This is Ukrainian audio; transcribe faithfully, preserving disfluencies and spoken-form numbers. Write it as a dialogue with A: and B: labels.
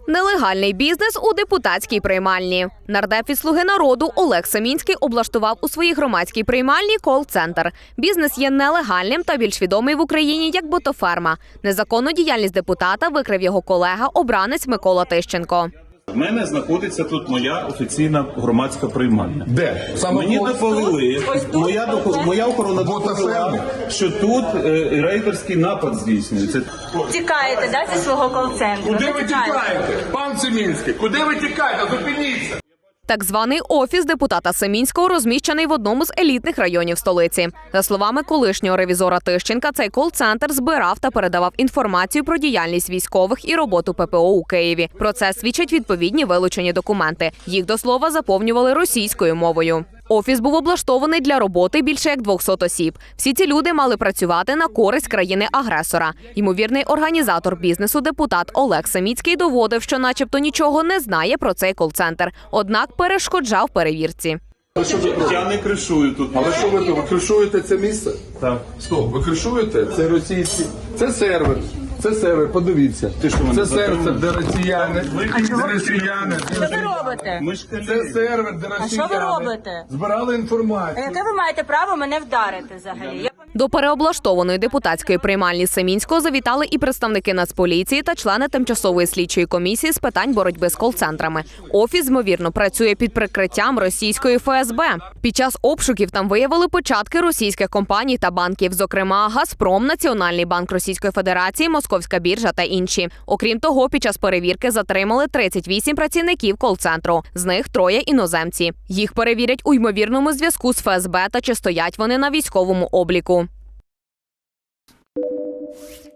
A: Нелегальний бізнес у депутатській приймальні. Нардеп від «Слуги народу» Олег Семінський облаштував у своїй громадській приймальні кол-центр. Бізнес є нелегальним та більш відомий в Україні як ботоферма. Незаконну діяльність депутата викрив його колега, обранець Микола Тищенко.
B: У мене знаходиться тут моя офіційна громадська приймальня.
C: Де? Саме
B: Мені
C: ось?
B: доповіли, моя, доку- моя охорона доповіла, що тут е, рейдерський напад здійснюється.
D: Тікаєте, да, зі свого кол-центру?
C: Куди ви
D: Тікаєте.
C: тікаєте? Пан Семінський, куди ви тікаєте? Зупиніться!
A: Так званий офіс депутата Семінського розміщений в одному з елітних районів столиці. За словами колишнього ревізора Тищенка, цей кол-центр збирав та передавав інформацію про діяльність військових і роботу ППО у Києві. Про це свідчать відповідні вилучені документи. Їх, до слова, заповнювали російською мовою. Офіс був облаштований для роботи більше як двохсот осіб. Всі ці люди мали працювати на користь країни-агресора. Ймовірний організатор бізнесу депутат Олег Семінський доводив, що начебто нічого не знає про цей кол-центр. Однак перешкоджав перевірці.
B: Я не кришую тут.
C: Але що ви тут? Ви кришуєте це місце?
B: Так.
C: Стоп, ви кришуєте? Це російські. Це сервер. Це сервер, подивіться.
B: Ти що, мене
C: Це сервер,
B: затримуєш?
C: де росіяни. Де росіяни.
D: Що ви робите?
B: Ми ж
C: Це
B: колеги.
C: сервер, де росіяни.
D: що ви робите?
C: Збирали
D: А
C: інформацію.
D: яке ви маєте право мене вдарити взагалі? Я
A: До переоблаштованої депутатської приймальні Семінського завітали і представники Нацполіції та члени тимчасової слідчої комісії з питань боротьби з кол-центрами. Офіс, ймовірно, працює під прикриттям російської Ф С Б. Під час обшуків там виявили початки російських компаній та банків, зокрема «Газпром», Національний банк Російської Федерації, Московська біржа та інші. Окрім того, під час перевірки затримали тридцять вісім працівників кол-центру. З них троє іноземці. Їх перевірять у ймовірному зв'язку з Ф С Б та чи стоять вони на військовому обліку.